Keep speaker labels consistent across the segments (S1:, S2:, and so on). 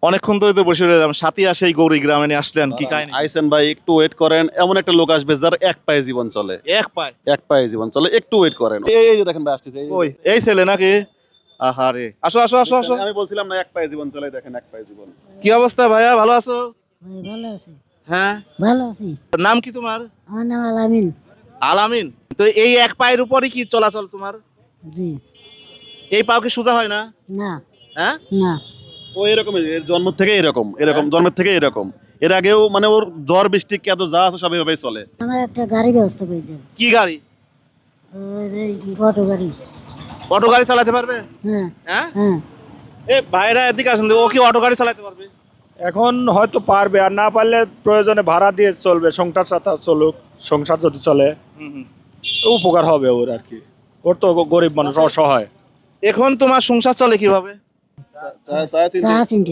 S1: অনেকক্ষণ ধরে তো বসে রইলাম, সাথিয়া সেই গৌরী গ্রামে নিয়ে আসলেন, কি কাহিনী?
S2: আইসেন ভাই, একটু ওয়েট করেন। এমন একটা লোক আসবে যার এক পায়ে জীবন চলে,
S1: এক পায়।
S2: এক পায়ে জীবন চলে, একটু ওয়েট করেন। এই যে দেখেন ভাই আসছে,
S1: ওই এই ছেলে নাকি? আহারে, আসো আসো আসো আসো।
S2: আমি বলছিলাম না এক পায়ে জীবন চলে, দেখেন এক পায়ে জীবন।
S1: কি অবস্থা ভাইয়া, ভালো আছো?
S3: ভালো আছি,
S1: হ্যাঁ,
S3: ভালো আছি।
S1: নাম কি তোমার?
S3: আমার নাম আলামিন।
S1: আলামিন। তো এই এক পায়ের উপরই কি চলাচল তোমার?
S3: জি।
S1: এই পাও কি সোজা হয় না?
S3: না,
S1: হ্যাঁ,
S3: না।
S2: ও এরকমই, এর জন্ম থেকে এরকম, জন্মের থেকে এরকম। এর আগেও মানে ওর ঝড় বৃষ্টি কেদ যা আছে সব এভাবেই চলে।
S3: আমার একটা গাড়ি ব্যবস্থা করে দেন।
S1: কি গাড়ি?
S3: এই অটো গাড়ি।
S1: অটো গাড়ি চালাতে পারবে?
S3: হ্যাঁ,
S1: হ্যাঁ,
S3: হ্যাঁ।
S1: এ ভাইরা এদিকে আসেন, ও কি অটো গাড়ি চালাতে পারবে?
S4: এখন হয়তো পারবে, আর না পারলে প্রয়োজনে ভাড়া দিয়ে চলবে, সংসার সাথে চলুক। সংসার যদি চলে
S1: হুম হুম।
S4: উপকার হবে ওর আর কি। ওর তো গরিব মানুষ, অসহায়।
S1: এখন তোমার সংসার চলে কিভাবে?
S3: চা চিনতে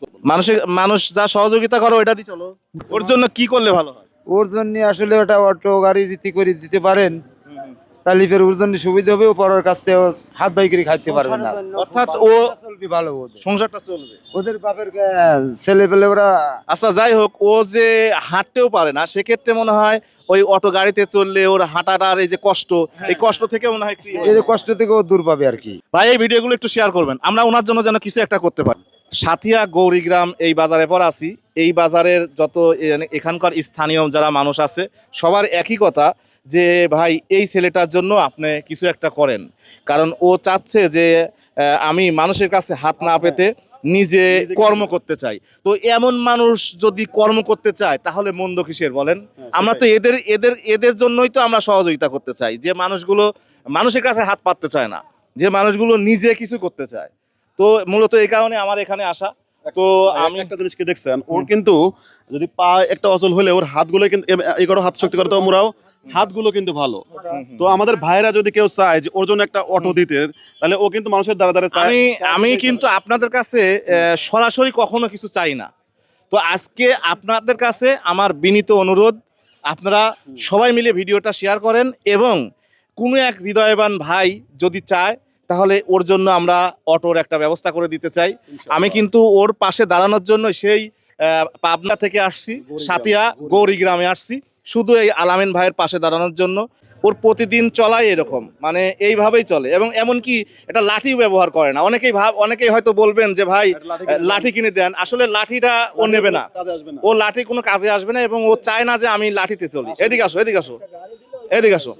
S1: মানুষ যা সহযোগিতা করো ওইটা দিয়ে চলো। ওর জন্য কি করলে ভালো হয়?
S5: ওর জন্য আসলে ওটা অটো গাড়ি যদি করে দিতে পারেন তাহলে ফের ওর জন্য সুবিধা হবে, ও পরের কাছ থেকে হাত বাই করে খাইতে পারবে না।
S1: অর্থাৎ ও
S5: চলবে ভালো, ওদের
S1: সংসারটা চলবে।
S5: ওদের বাপের ছেলে পেলে ওরা
S1: আচ্ছা যাই হোক, ও যে হাঁটতেও পারে না, সেক্ষেত্রে মনে হয় ওই অটো গাড়িতে চললে ওর হাঁটাটার এই যে কষ্ট, এই কষ্ট থেকে মনে হয় free হয়ে
S5: এর
S1: যাবে।
S5: কষ্ট থেকে ও দূর পাবে আর কি।
S1: ভাই এই ভিডিওগুলো একটু শেয়ার করবেন, আমরা ওনার জন্য যেন কিছু একটা করতে পারি। সাথিয়া গৌরীগ্রাম এই বাজারে পর আছি। এই বাজারের যত এখানকার স্থানীয় যারা মানুষ আছে সবার একই কথা যে ভাই এই ছেলেটার জন্য আপনি কিছু একটা করেন, কারণ ও চাচ্ছে যে আমি মানুষের কাছে হাত না পেতে নিজে কর্ম করতে চাই। তো এমন মানুষ যদি কর্ম করতে চায় তাহলে মন্দ কিসের বলেন? আমরা তো এদের এদের এদের জন্যই তো আমরা সহযোগিতা করতে চাই, যে মানুষগুলো মানুষের কাছে হাত পাততে চায় না, যে মানুষগুলো নিজে কিছু করতে চায়। তো মূলত এই কারণে আমার এখানে আসা। তো
S2: আমি একটা জিনিস কি দেখছেন, ওর কিন্তু যদি পা একটা অচল হলে ওর হাতগুলো কিন্তু এগারো হাত শক্তি করে তো মোরাও হাতগুলো কিন্তু ভালো। তো আমাদের ভাইরা যদি কেউ চায় যে ওর জন্য একটা অটো দিতে, তাহলে ও কিন্তু মানুষের দ্বারা দ্বারা চায়।
S1: আমি কিন্তু আপনাদের কাছে সরাসরি কখনো কিছু চাই না। তো আজকে আপনাদের কাছে আমার বিনীত অনুরোধ, আপনারা সবাই মিলে ভিডিওটা শেয়ার করেন এবং কোনো এক হৃদয়বান ভাই যদি চায় তাহলে ওর জন্য আমরা অটোর একটা ব্যবস্থা করে দিতে চাই। আমি কিন্তু ওর পাশে দাঁড়ানোর জন্য সেই পাবনা থেকে আসছি, সাথিয়া গৌরীগ্রামে আসছি শুধু এই আলামিন ভাইয়ের পাশে দাঁড়ানোর জন্য। ওর প্রতিদিন চলাই এরকম, মানে এইভাবেই চলে এবং এমনকি এটা লাঠিও ব্যবহার করে না। অনেকেই হয়তো বলবেন যে ভাই লাঠি কিনে দেন, আসলে লাঠিটা ও নেবে না, ও লাঠি কোনো কাজে আসবে না এবং ও চায় না যে আমি লাঠিতে চলি। এদিকে আসো, এদিকে আসো, এদিকে আসো।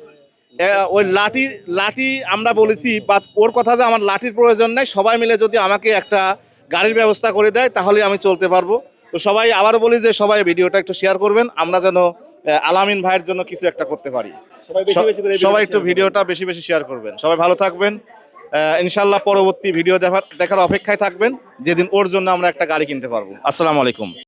S1: ওই লাঠি আমরা বলেছি, বা ওর কথা যে আমার লাঠির প্রয়োজন নেই, সবাই মিলে যদি আমাকে একটা গাড়ির ব্যবস্থা করে দেয় তাহলে আমি চলতে পারবো। তো সবাই আবারও বলি যে সবাই ভিডিওটা একটু শেয়ার করবেন, আমরা যেন আলামিন ভাইয়ের জন্য কিছু একটা করতে পারি। সবাই একটু ভিডিওটা বেশি বেশি শেয়ার করবেন। সবাই ভালো থাকবেন, ইনশাল্লাহ পরবর্তী ভিডিও দেখার অপেক্ষায় থাকবেন, যেদিন ওর জন্য আমরা একটা গাড়ি কিনতে পারবো। আসসালামু আলাইকুম।